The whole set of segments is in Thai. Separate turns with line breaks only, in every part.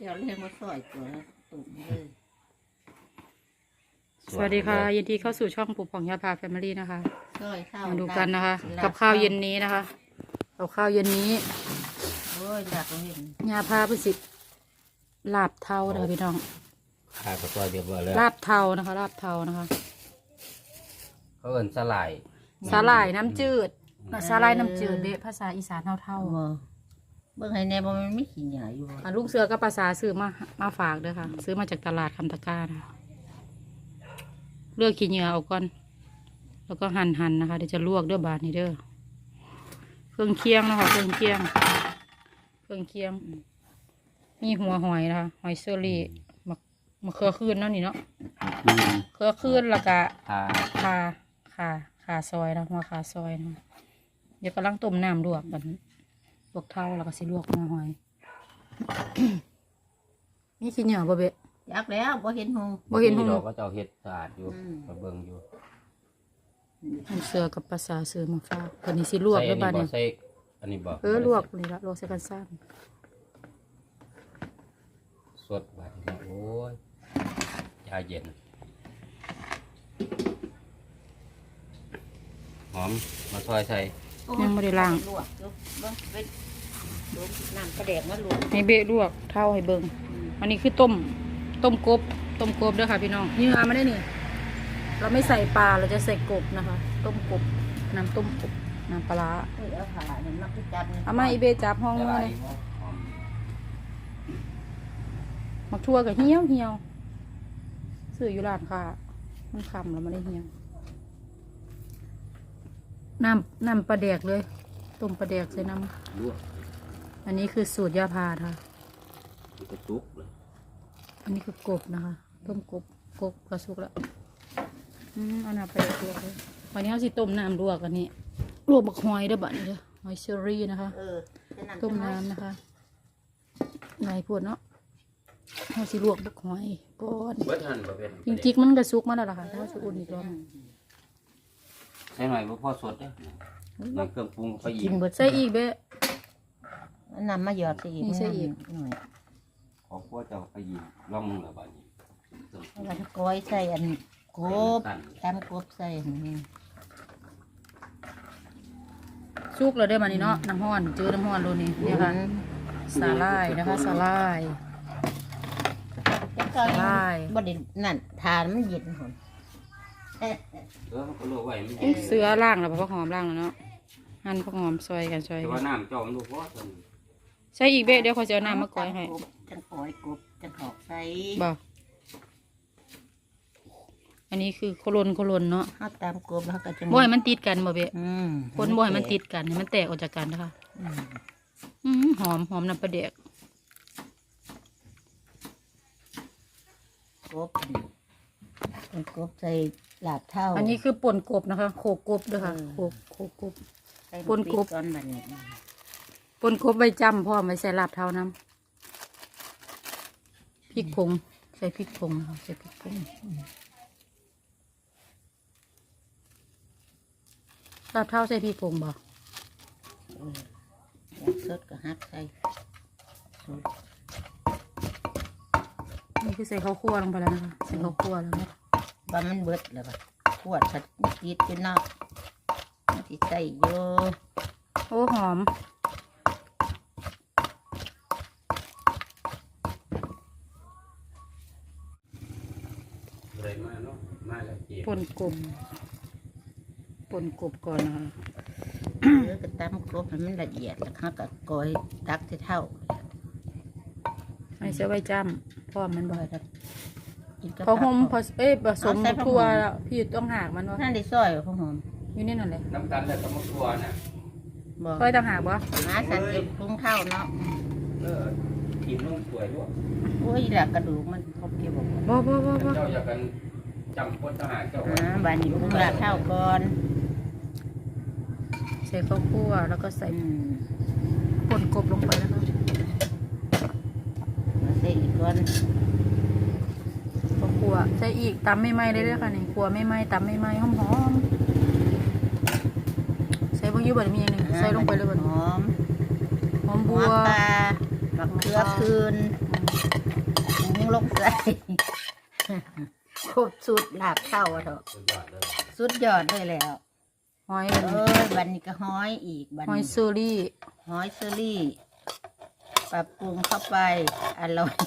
จียวเลี้ยงมาซอยตัวตุ่มเลย
สวัสดีค่ะยินดีเข้าสู่ช่องปู่ผ่องยาพาแฟมิลี่นะคะ
ซอยข้าว
มาดูกันนะคะ กับข้าวเย็นนี้นะคะกับข้าวเย็นนี้
โอ้ยหลักเห็น
ยาพาพิสิทธิ์ลาบเทานะคะพี่น้อง
ขาดกับตัวเดียวเลย
ลาบเทานะคะลาบเทานะคะ
เขาเอิ้นสลาย
สาหร่ายน้ำจืดสาหร่ายน้ำจืดเบะภาษาอีสานเท่า
บ่เบิ่งให้แน่บ่มันไม่ขี้หยาอยู่บ่
ๆลูกเสือก็ภาษาซื้อมาฝากเด้อค่ะ ซื้อมาจากตลาดคำตะกร้านะคะเลือกขี้เหงื่อเอาก่อนแล้วก็หั่นนะคะเดี๋ยวจะลวกเด้อบาดนี้เด้อเครื่องเคียงนะคะเครื่องเคียงมีหัวหอยนะคะหอยเชอรี่มะเขือคืนเนาะนี่เนาะเขือคืนแล้วก็ ขาซอยนะหัวขาซอยนะเดี๋ยวกำลังต้มน้ำลวกกันลวกเท่าแล้วก็สิลวกหัวหอย มีขี้เหนียวบ่เบะ
อยากแล้วบ่เห็นหง
บ่เห็นหง
ดอกก็จะเอาเฮ็ดสะอาดอยู่มาเบิ่งอยู่
ลูกเสือกับภาษาซื้อมาฝากคนนี้สิลวกด้วยบ้าน
ใส่
นี้
ใส่อันนี้บ่
ลวกนี่ละลวกใส่กันซ้
สดบาดนี้โอ้ยยาเย็นหอมมาซอยใส่
ยังไม่ได้ล้าง
ลวกอยู่เบิ่งเป็นลวกน้ำกระแดกมาลวก
ให้เบะลวกเท่าให้เบิ่งอันนี้คือต้มกบเด้อค่ะพี่น้องนี่เอามาได้นี่เราไม่ใส่ปลาเราจะใส่กบนะคะ ต้มกบน้ำต้มกบน้ำปลาร้า
เอ้ยเอาผ้าเนี่ยมาคือจับนี่
เอามาอีเบจับห้อง
ละ
มา
ลาย
เลย
หอม
มักทั่วกับเหี่ยวซื้ออยู่ร้านค่ะมันคำแล้วไม่ได้เหี่ยวน้ำปลาแดกเลยต้มปลาแดกใส่น้
ลวก
ำอันนี้คือสูตรยาพาค่ะ
มันก็ตุกเลย
อันนี้คือกบนะคะ ต้มกบกระสุกแล้วอันนั้นไปลวกเลยวันนี้เขาสิต้มน้ำลวกอันนี้ลวกบักหอยเด้อบัดนี้เด้อหอยเชอรี่นะคะ
จะนั่ง
ต้มน้ำนะคะไหนพวดเนาะเขาสิลวกบักหอยก่อน
เบิดหั่นบ่เป็น
จริงๆมันกระสุกมาแล้วล่ะค่ะแต่ว่าสุกอุ่นอีกรอบหนึ่ง
ใส่หน่อยบ่พอสดเด้หน่อยเครื่องปรุงไปอี
กิ
ก
นเบิด
ใส่อีกเบ้
น้ำมาหยอดใส่อีก
นี่ใส่อีก
หน่อย
ขอพวกเจ้าไปอีกลองมึงละบาดนี้
แล้วก็ก้อยใส่อันกบตามกบใส่นี่
สุกแล้วได้อมานี่เนาะน้ำห้อนเจอน้ำห้อนโลนี่เนี่ยค่ะสาลายนะคะสาลาย
แล้วก็
ได้
บ่ได้นั่นทานมันเย็นหน
มันก็ลวกไว้มัน
เสือล่างแล้วผักหอมล่างแล้วเนาะหั่นผักหอมซอยกัน
แต่ว่าน้ำเจ้ามันบ่พอซั่น
ใส่อีกเบ้เดี๋ยวเขาจะเอาน้ำมาก่อยให้
จังก้อยกบจังหอกใส่
บ่อันนี้คือโคลนเนาะ
เฮาตามกบแล้วก็จะ
บ่ให้มันติดกันบ่เบ้
อืม
คนบ่ให้มันติดกันให้มันแตกออกจากกันนะคะ หอมน้ำปลาแดก
กบเป็นกบใส่ลาบเท่า
อันนี้คือป่นกบนะคะโขกกบด้วยค่ะโขกกบ
ใส่
ปนกบ
ก้อนแบบนี้
ป่นกบใบจำพร้อมไว้ใส่ลาบเท่าน้ำพริกผงใส่พริกผงนะคะใส่พริกผงลาบเท่าใส่พริกผงบ่
อยากสดก็ฮักใส่สด
นี่คือใส่ข้าวคั่วลงไปแล้วนะคะใส่ข้าวคั่วแล้วนะ
ว่ามันเบิดแล้วบ่ขวดผัดติดอยู่นอกมันสิใส่อยู่
โอ้หอม
เลยมาเนาะมาแล้วเจ็บ
ป่นกบก่อนนะคะ
หรือก็ตำกบให้มันละเอียดแล้วเขาก็ก้อยตักใส่เท่า
ไม่ใส่ใบจำพร้อมมันบ่
ก้อยแล้วกินกับ
พอหอมพอผสม
เอาใส่ผัก
ทั่ว
หอม
แล้วพี่ต้องหากมันวะ
นั่นได้ซอยข้าวหอม
อยู่นี่นั่นเลย
น้ำตาลแล้วก็มะกรัวน่ะ
บอก
ค่อยต้องหากบ่
มาสันติปรุงข้าวเนาะ
กินลงสวยด้วย
โอ้ยแหละกระดูกมันครบเกี่ยวบอก
บ่
เจ้าอยากกันจำคนทหารเจ้า
บานนี้ปรุงลาบเท่าก่อน
ใส่ข้าวคั่วแล้วก็ใส่
อืม
ป่นกบลงไปนะคะ
มาใส่อีกก่อน
ข้าวคั่วใส่อีกตำไม่ไหม้เลยเด้อค่ะนี่คั่วไม่ไหม้ตำไม่ไหม้หอมๆใส่บางยี่บ่ได้มีอย่างหนึงใส่ลงไปเลยบ่
หอม
หอมบั
หั
ว
วปลาบักเขือคืนหุงลงใส่ครบสุดลาบเท่าอะเถอะ
สุดยอดเลย
สุดยอดเลยแล้ว
หอย
บันนี้ก็ห้อยอีกบัน
หอย
นี้
ซูรี่
ห้อยเซอรี่ปรับปรุงเข้าไปอร่อย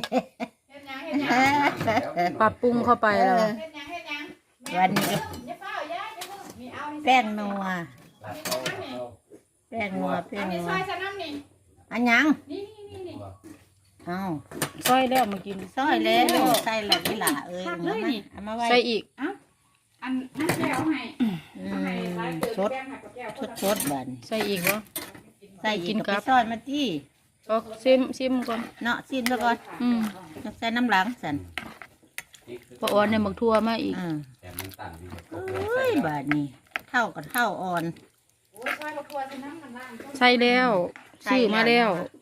ปรับปรุงเข้าไปแล้ว
วันนี้ก็แป้งนัว
ลาบเข้า
แป้งนัวแป้งนัว
ซอยสน้ำนี่
อันยัง
นี่
เอา
ซอยแล้วมากิน
ซอยแล้วใส่ละนี่ล่ะเอามาไว้
ใส่อีก
อันนั่นแก้วให้
สดสดบัน
ใส่อีกวะ
ใส่อี
กิ
ก
น
กับ
กับ
ซอยมาที่
ก็ซิมก่อน
เนาะซิมซะก่อน
อืม
ใส่น้ำหลังสัน
ปลาอ่อนเนี่ยหมักทั่วมาอีก
แต่มันต่างดีกว่า
เอ้ยบาดนี้เท่ากับเท่าอ่อน
โอ้ซอยบักทัวสน้ำมันล่าง
ใส่แล้วซื้อมาแล้ว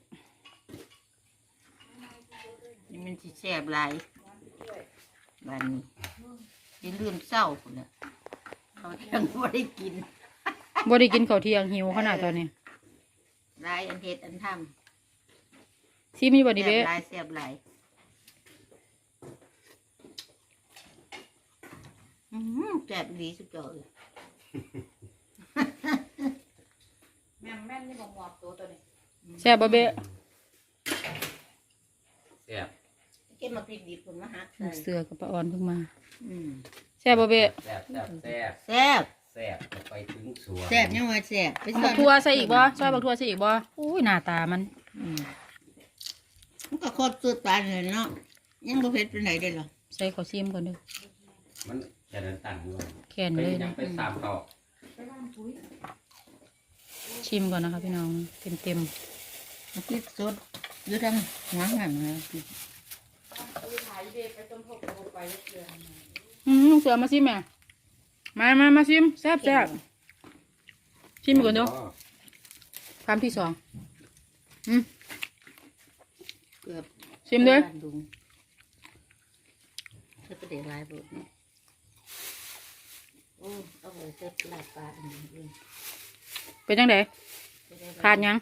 นี่มันสิแซ่บหลายบาดนี้อย่าลืมเศร้าพุ่นน่ะเขายังไม่ได้กิน
บ่ได้กินข้าวเที่ยงหิวขนาดตอนนี้
หลายอันเฮ็ดอันท
ซิมีบ่
ำ
ดิ
แซ่
เบ้
บหลายแซ่บหลายแซ่บดีสุดยอดเลย
แม่นนี่บอกหมอบตัวนี้
แซ่บบ่เบ้
แซ่บ
เก็บมาพริกดิบผมมาหัก
ลู
ใส่
กเสือกับปลาอ่อนเพิ่งมา
อืม
แซ่บบ่เบ้
แซ่บแซ่บแซ่บ
แซ่บ
แซ่บไปถึงสวน
แซ่บยังว่าแซ่บไป
บักทั่วใส่อีกบ่ซอยบักทั่วใส่อีกบ่อุ้ยหน้าตามัน
มันก็โคตรสุดปานเลยเนาะยังบ่เผ็ดไปไหนได้หรอ
ใส่ข้าวซิมก่อนเด้อ
มันจะเดินต่างด้วย
แข็ง
ไป
เลย
ยั
นะ
งไปตามต่อ
ชิมก่อนนะคะพี่น้องเต็ม
มันพริกสดอยู่ทางหัวหันเลย
ลูกเสือมาซิมแม่มาซิมแซ่บชิมก่อนเด้อคำที่สองอืม
เกือบ
ชิมเด้อ
บ้านดุงเธอไปเด็กลายบุตรเนี่ยโอ้เอาไปเซ็ตลาดปลาอันนี้เอง
เป็นจังไดขาดหยัง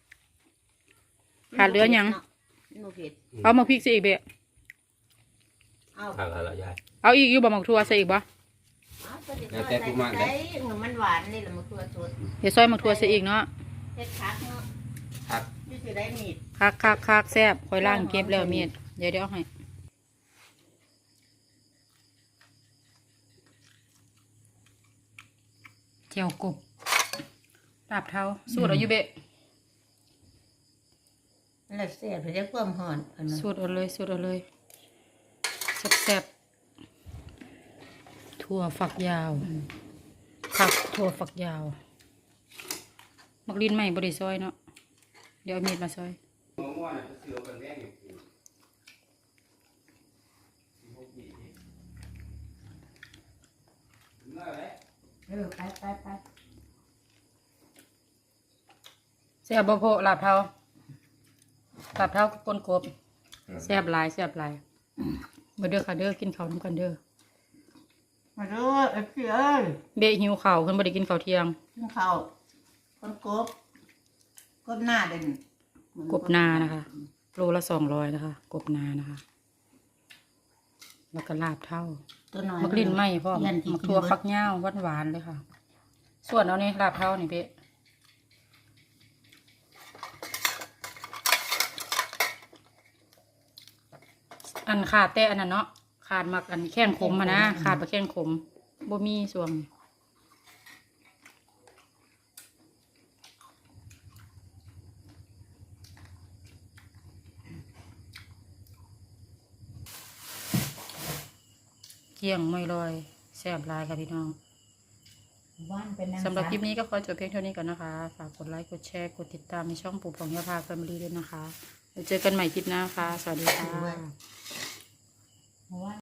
ขาดเหลือหยัง
โนเผ็ด
เอามาพริกใส่อีกเบะ
เอา
ทางอะไรยาย
เอาอีกอยู่บ่หมักทั่วใส่อีกบ่
ไปเด็กลายใส่มันหวานนี่แหละมันตัวสด
เดี๋ยวซอยหมักทั่วใส่อีกเนาะ
เผ็ดคักเนาะ
ผัก
นี่จะได้มีด
คักแซ่บคอยล่างเก็บแล้วเมียดเดี๋ยวเอาให้เจียวกบลาบเท้าสูตรเอาอยู่เบะ
แล้วเสียบเรียกความหอนอันนั้น
สูตรเอาเลยแซ่บๆถั่วฝักยาวผักถั่วฝักยาวมักลิ้นใหม่บริซอยเนาะเดี๋ยวเอามีดมาซอย
ม่วงๆน่ะจะเสือกันแดงอยู่
ไป
แซ่บบ่โพะลาบเท้ากับก้นกบแซ่บหลายมาเด้อค่ะเด้อกินข้าวน้ำกันเด้อ
มาดูเอ้ยพี่เอ้ย
เบะหิวข้าวเพิ่นบ่ได้กินข้าวเที่ยง
กินข้าวคนกบหน้าเด่น
กบนานะคะโลละ200นะคะกบนานะคะ แล้วก็ลาบเท่า
ตัวน้อย
มักลิ้นไหมพ่อม
ยันที่
มักทั่วฟักย่าวหวานๆเลยค่ะ ส่วนเอานี่ลาบเท่านี่เบะอันขาดแต่อันนั้นเนาะขาดมักอันแข้งขมมานะขาดปลาแข้งขมบ่มีส่วงเจียงไม่ลอยแซ่บหลายค่ะพี่น้อง
ว่านเป็นนาง
สำหรับคลิปนี้ก็ขอจบเพียงเท่านี้ก่อนนะคะ ฝากกดไลค์กดแชร์กดติดตามในช่องปู่ของยาพาแฟมิลี่ด้วยนะคะเดี๋ยวเจอกันใหม่คลิปหน้าค่ะ สวัสดีค่ะ
ว่าน